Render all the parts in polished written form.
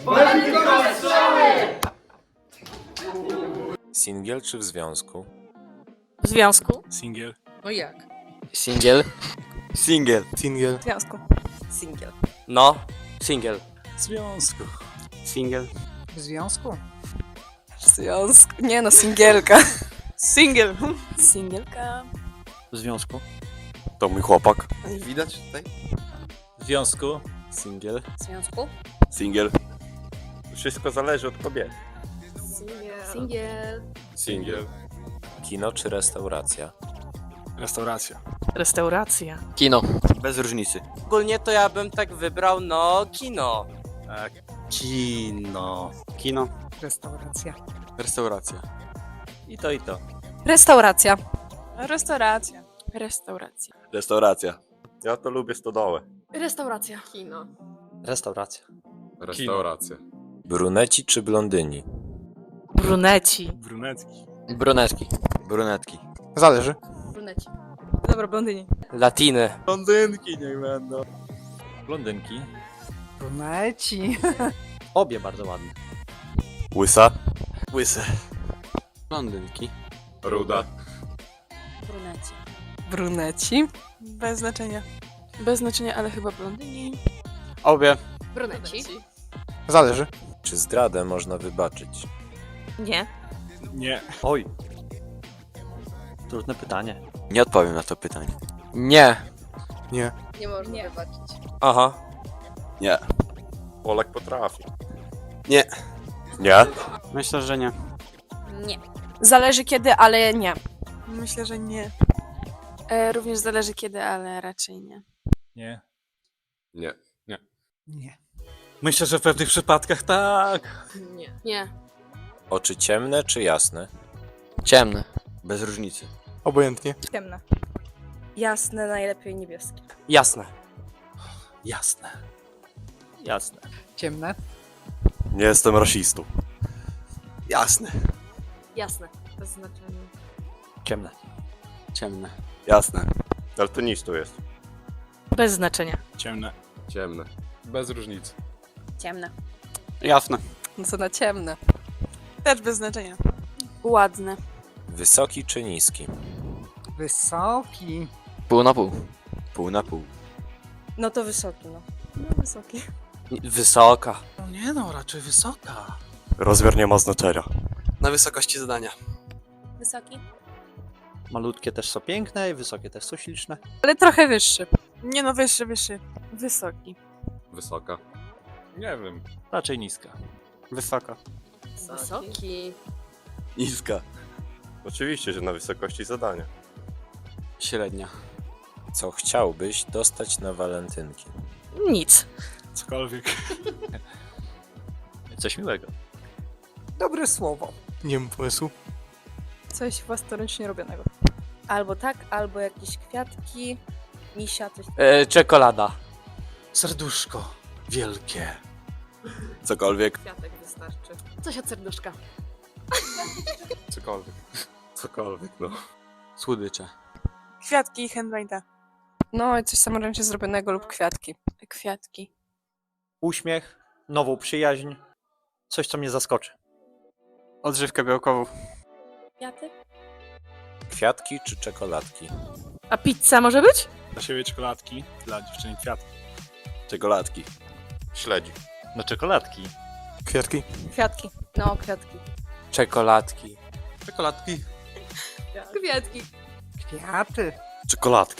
Błękitne strzały! Singiel czy w związku? W związku? Singiel. No jak? Singiel. Singiel. Singiel. W związku. Singiel. No. Singiel. W związku. Singiel. W związku? W związku. Nie no, singielka. Singiel. Singielka. W związku. To mój chłopak. Widać tutaj? W związku. Singiel. W związku? Singiel. Wszystko zależy od kobiety. Singiel. Singiel. Kino czy restauracja? Restauracja. Restauracja. Kino. Bez różnicy. Ogólnie to ja bym tak wybrał, no, kino. Kino. Kino. Restauracja. Restauracja. I to, i to. Restauracja. Restauracja. Restauracja. Restauracja. Ja to lubię stodołę. Restauracja. Kino. Restauracja. Restauracja. Bruneci czy blondyni? Bruneci. Brunetki. Brunetki. Brunetki. Zależy. Bruneci. Dobra, blondyni. Latiny. Blondynki niech będą. Blondynki. Bruneci. Obie bardzo ładne. Łysa. Łyse. Blondynki. Ruda. Bruneci. Bruneci. Bez znaczenia. Bez znaczenia, ale chyba blondyni. Obie. Bruneci. Zależy. Czy zdradę można wybaczyć? Nie. Nie. Oj. Trudne pytanie. Nie odpowiem na to pytanie. Nie. Nie. Nie można wybaczyć. Aha. Nie. Polak potrafi. Nie. Nie? Myślę, że nie. Nie. Zależy kiedy, ale nie. Myślę, że nie. Również zależy kiedy, ale raczej nie. Nie. Nie. Nie. Myślę, że w pewnych przypadkach tak. Nie. Nie. Oczy ciemne czy jasne? Ciemne. Bez różnicy. Obojętnie. Ciemne. Jasne, najlepiej niebieskie. Jasne. Jasne. Jasne. Ciemne. Nie jestem rasistą. Jasne. Jasne. Bez znaczenia. Ciemne. Ciemne. Jasne. Daltonistą jest. Bez znaczenia. Ciemne. Ciemne. Bez różnicy. Ciemne. Jasne. No co na ciemne. Też bez znaczenia. Ładne. Wysoki czy niski? Wysoki. Pół na pół. Pół na pół. No to wysoki, no. No wysoki. Wysoka. No nie no, raczej wysoka. Rozmiar nie ma znaczenia. Na wysokości zadania. Wysoki? Malutkie też są piękne i wysokie też są śliczne. Ale trochę wyższy. Nie no, wyższy, wyższy. Wysoki. Wysoka. Nie wiem. Raczej niska. Wysoka. Wysoki. Niska. Oczywiście, że na wysokości zadania. Średnia. Co chciałbyś dostać na walentynki? Nic. Cokolwiek. Coś miłego. Dobre słowo. Nie mam pomysłu. Coś własnoręcznie robionego. Albo tak, albo jakieś kwiatki, misia, coś. Czekolada. Serduszko. Wielkie. Cokolwiek. Kwiatek wystarczy. Coś od serduszka. Cokolwiek. Cokolwiek, no. Słodycze. Kwiatki i handmade'a. No i coś samoręcznie zrobionego lub kwiatki. Kwiatki. Uśmiech, nową przyjaźń, coś co mnie zaskoczy. Odżywkę białkową. Kwiaty? Kwiatki czy czekoladki? A pizza może być? Dla siebie czekoladki, dla dziewczyny kwiatki. Czekoladki. Śledzi. No czekoladki. Kwiatki. Kwiatki. No, kwiatki. Czekoladki. Czekoladki. Kwiatki. Kwiaty. Czekoladki.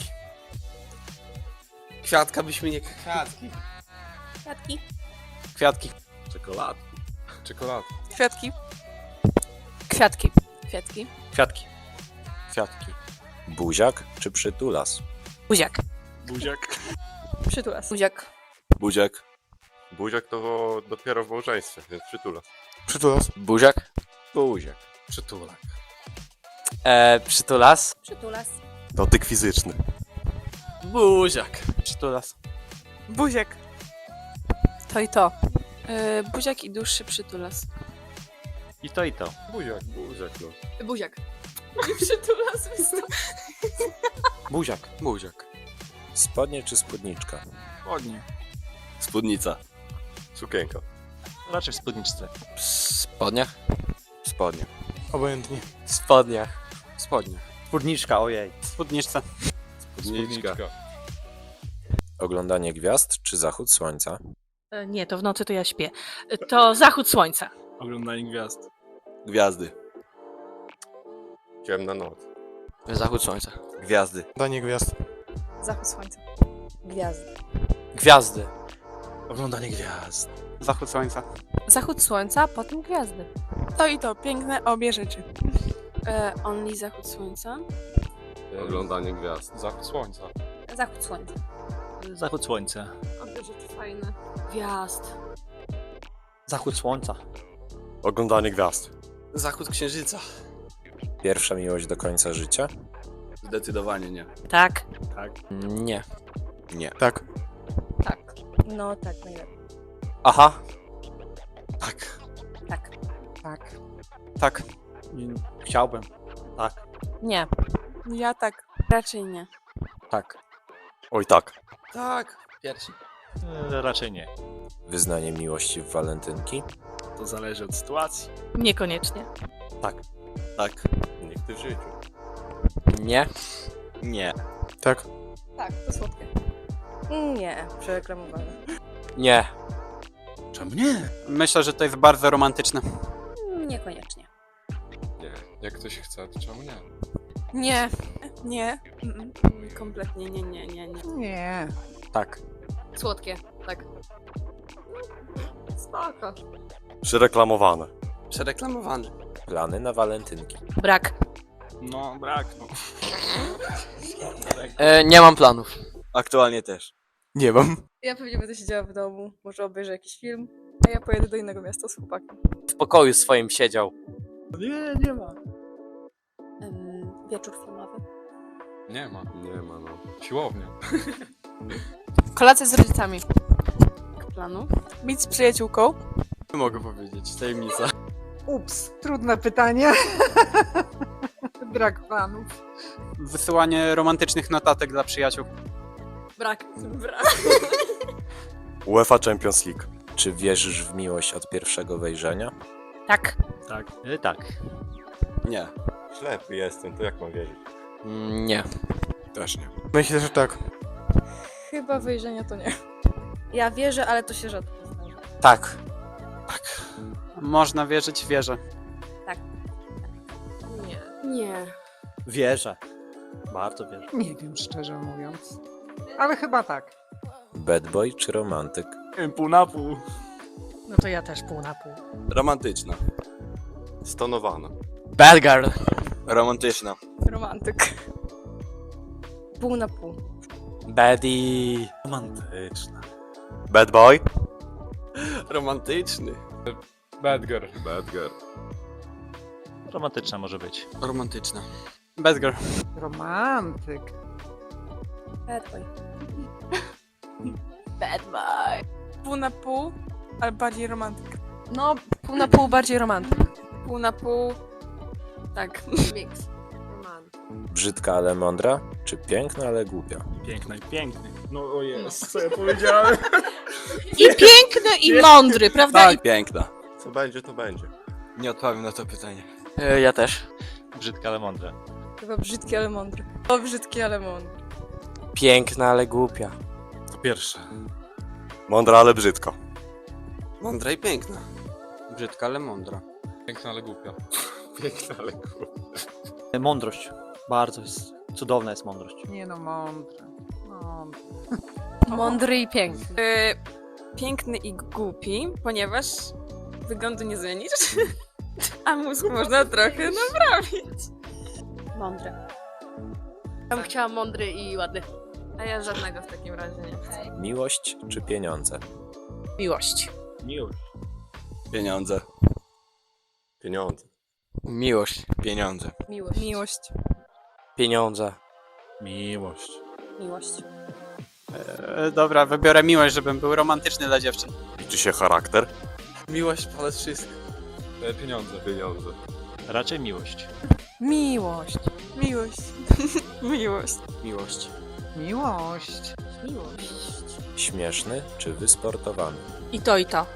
Kwiatka byśmy nie... Kwiatki. Kwiatki. Kwiatki. Czekoladki. Czekoladki. Kwiatki. Kwiatki. Kwiatki. Kwiatki. Kwiatki. Buziak czy przytulas? Buziak. Buziak. Przytulas. Buziak. Buziak. Buziak to dopiero w małżeństwie, więc przytula. Przytulas. Buziak. Buziak. Przytulak. Przytulas. Przytulas. Dotyk fizyczny. Buziak. Przytulas. Buziak. To i to. Buziak i dłuższy przytulas. I to i to. Buziak, buziak, no. Buziak. Przytulas. Buziak. Buziak. Spodnie czy spódniczka? Ładnie. Spódnica. Sukienka. Raczej w spódniczce. W spodniach? Spodnie. Obojętnie. W spodniach. Spodnie. Spódniczka, ojej. Spódniczce. Spódniczka. Oglądanie gwiazd czy zachód słońca? Nie, to w nocy to ja śpię. To zachód słońca. Oglądanie gwiazd. Gwiazdy. Ciemna noc. Zachód słońca. Gwiazdy. Danie gwiazd. Zachód słońca. Gwiazdy. Gwiazdy. Oglądanie gwiazd. Zachód słońca. Zachód słońca, potem gwiazdy. To i to, piękne obie rzeczy. Only zachód słońca. Oglądanie gwiazd. Zachód słońca. Zachód słońca. Zachód słońca. Obie rzeczy fajne. Gwiazd. Zachód słońca. Oglądanie gwiazd. Zachód księżyca. Pierwsza miłość do końca życia? Zdecydowanie nie. Tak. Tak. Nie. Nie. Tak. Tak. No tak, najlepiej. Aha. Tak. Tak. Tak. Tak. Chciałbym. Tak. Nie. Ja tak. Raczej nie. Tak. Oj tak. Tak. Pierwszy. Raczej nie. Wyznanie miłości w walentynki? To zależy od sytuacji. Niekoniecznie. Tak. Tak. Nigdy w życiu. Nie. Nie. Tak. Tak, to słodkie. Nie, przereklamowane. Nie. Czemu nie? Myślę, że to jest bardzo romantyczne. Niekoniecznie. Nie. Jak ktoś chce, to czemu nie? Nie. Nie. Kompletnie nie. Nie. Tak. Słodkie, tak. Spoko. Przyreklamowane. Przereklamowany. Plany na walentynki? Brak. No, brak. No. Nie mam planów. Aktualnie też. Nie mam. Ja pewnie będę siedziała w domu, może obejrzę jakiś film. A ja pojedę do innego miasta z chłopakiem. W pokoju swoim siedział. Nie ma. Wieczór filmowy. Nie ma. Nie ma, no. Siłownia. Kolacja z rodzicami. Planów? Być z przyjaciółką. Nie mogę powiedzieć. Tajemnica. Ups, trudne pytanie. Brak planów. Wysyłanie romantycznych notatek dla przyjaciół. Brak. UEFA Champions League. Czy wierzysz w miłość od pierwszego wejrzenia? Tak. Tak. Tak. Nie. Ślepy jestem, to jak mam wierzyć? Nie. Też nie. Myślę, że tak. Chyba wejrzenia to nie. Ja wierzę, ale to się rzadko zdarza. Tak. Można wierzyć, wierzę. Nie. Wierzę. Bardzo wierzę. Nie wiem, szczerze mówiąc. Ale chyba tak. Bad boy czy romantyk? Pół na pół. No to ja też pół na pół. Romantyczna. Stonowana. Bad girl. Romantyczna. Romantyk. Pół na pół. Baddie. Romantyczna. Bad boy. Romantyczny. Bad girl. Bad girl. Romantyczna może być. Romantyczna. Bad girl. Romantyk. Bad boy. Bad boy. Pół na pół, ale bardziej romantyk. No, pół na pół bardziej romantyk. Pół na pół. Tak. Mix. Romantyk. Brzydka, ale mądra? Czy piękna, ale głupia? Piękna i piękny. No o jest, co ja powiedziałem? I piękny, i mądry, prawda? Tak. Piękna. Co będzie, to będzie. Nie odpowiem na to pytanie. Ja też. Brzydka, ale mądra. Chyba brzydki, ale mądry. O, brzydki, ale mądry. Piękna, ale głupia. To pierwsze. Mądra, ale brzydko. Mądra i piękna. Brzydka, ale mądra. Piękna, ale głupia. Piękna, ale głupia. Mądrość. Bardzo jest. Cudowna jest mądrość. Nie no, mądre. Mądre. Mądry i piękny. Piękny i głupi, ponieważ wyglądu nie zmienisz, a mózg można trochę naprawić. Mądry. Ja bym chciała mądry i ładny. A ja żadnego w takim razie nie chcę. Miłość czy pieniądze? Miłość. Miłość. Pieniądze. Pieniądze. Miłość. Pieniądze. Miłość. Miłość. Pieniądze. Miłość. Miłość. Dobra, wybiorę miłość, żebym był romantyczny dla dziewczyn. Liczy się charakter? Miłość ponad wszystko. Pieniądze. Pieniądze. Raczej miłość. Miłość. Miłość. Miłość. Miłość. Miłość. Miłość. Śmieszny czy wysportowany? I to, i to. No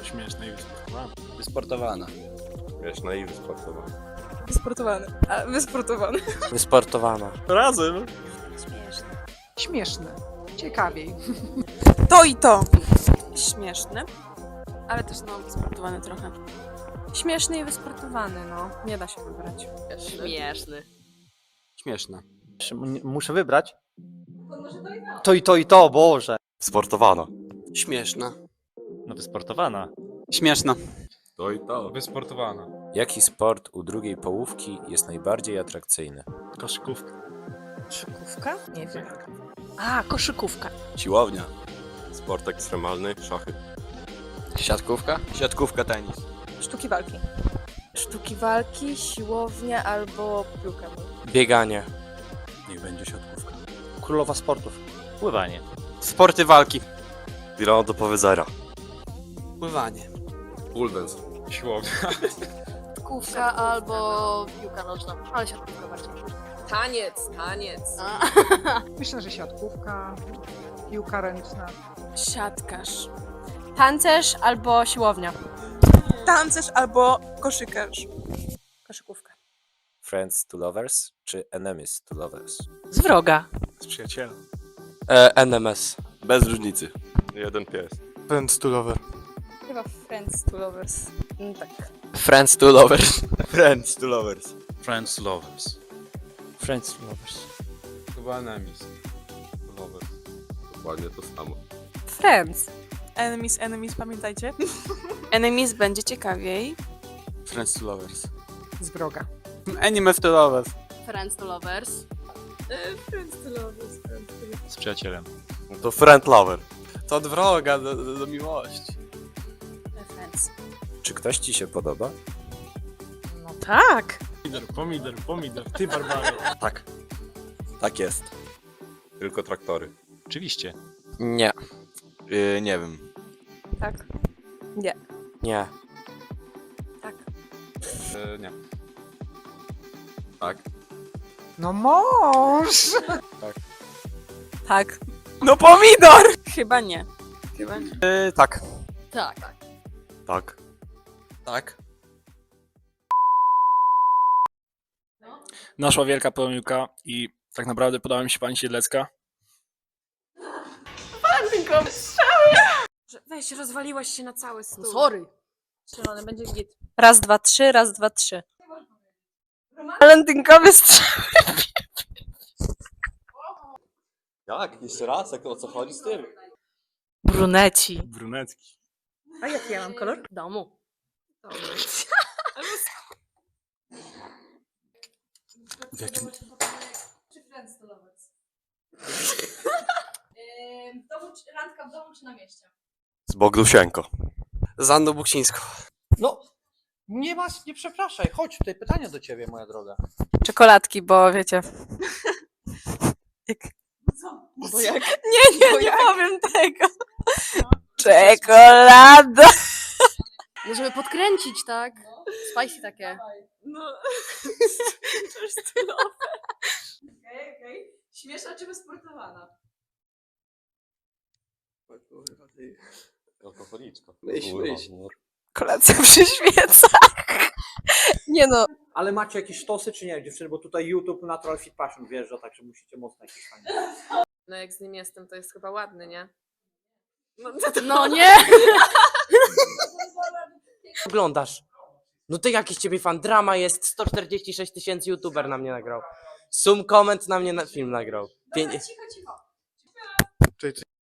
Śmieszna i wysportowana. Wysportowana. Śmieszna i wysportowana. Wysportowany. A, wysportowany. Wysportowana. Razem. Śmieszne. Ciekawiej. To i to. Śmieszne. Ale też no, wysportowany trochę. Śmieszny i wysportowany, no. Nie da się wybrać. Śmieszny. Śmieszna. Muszę wybrać? To i to, Boże. Sportowana. Śmieszna. No wysportowana. Śmieszna. To i to. Wysportowana. Jaki sport u drugiej połówki jest najbardziej atrakcyjny? Koszykówka. Koszykówka? Nie wiem. A, koszykówka. Siłownia. Sport ekstremalny, szachy. Siatkówka? Siatkówka, tenis. Sztuki walki. Sztuki walki, siłownia albo piłka. Bieganie. Niech będzie siatkówka. Królowa sportów. Pływanie. Sporty walki. Tirano do powiedzenia. Pływanie. Pole dance. Siłownia. Siatkówka albo piłka nożna. Ale siatkówka bardziej. Taniec. Myślę, że siatkówka, piłka ręczna. Siatkarz. Tancerz albo siłownia. Tancerz albo koszykarz. Koszykówka. Friends to lovers czy enemies to lovers? Z wroga. Z przyjacielem. NMS. Bez różnicy. Jeden pies. Friends to lover. Chyba Friends to Lovers. Tak. Friends to lovers. Friends to lovers. Friends lovers. Friends lovers. Chyba enemies. Lovers. Dokładnie to samo. Friends. Enemies, pamiętajcie. Enemies będzie ciekawiej. Friends to lovers. Z wroga. Enemies to lovers. Friends to lovers. Z przyjacielem. No to friend lover. To od wroga do miłości. Friends. Czy ktoś ci się podoba? No tak. Pomidor. Ty, Barbaro. Tak. Tak jest. Tylko traktory. Oczywiście. Nie. Nie wiem. Tak. Nie. Tak. Nie. Tak. No mąż! Tak. No pomidor! Chyba nie. Tak. Tak. Tak. Tak. Naszła wielka pomyłka i tak naprawdę podoba mi się pani Siedlecka. Weź, rozwaliłaś się na cały stół. Sorry. Strzelony będzie git. Raz, dwa, trzy, raz, dwa, trzy. Walentynkowy strzał. Jak? Jeszcze raz? O co chodzi z tym? Bruneci. Brunetki. A jaki ja mam kolor? Domu. W jakim... Randka w domu czy na mieście? Z Bogdusienko. Z Anną Buksińską. No, nie przepraszaj. Chodź, tutaj pytanie do ciebie, moja droga. Czekoladki, bo wiecie. Bo jak? Nie powiem tego. Czekolada. No żeby podkręcić, tak? Spicy takie. No. Okej. Śmieszna czy wysportowana? Alkoholiczka. Myśl. Kolacja przy świecach. Nie no. Ale macie jakieś sztosy, czy nie, dziewczyny? Bo tutaj YouTube Natural Fit Passion wjeżdża, także musicie mocno jakieś fajne. No jak z nim jestem, to jest chyba ładny, nie? No nie! Oglądasz. No ty jakiś ciebie fan. Drama jest, 146 000 youtuber na mnie nagrał. Sum comment na mnie film nagrał. Cicho. Cześć.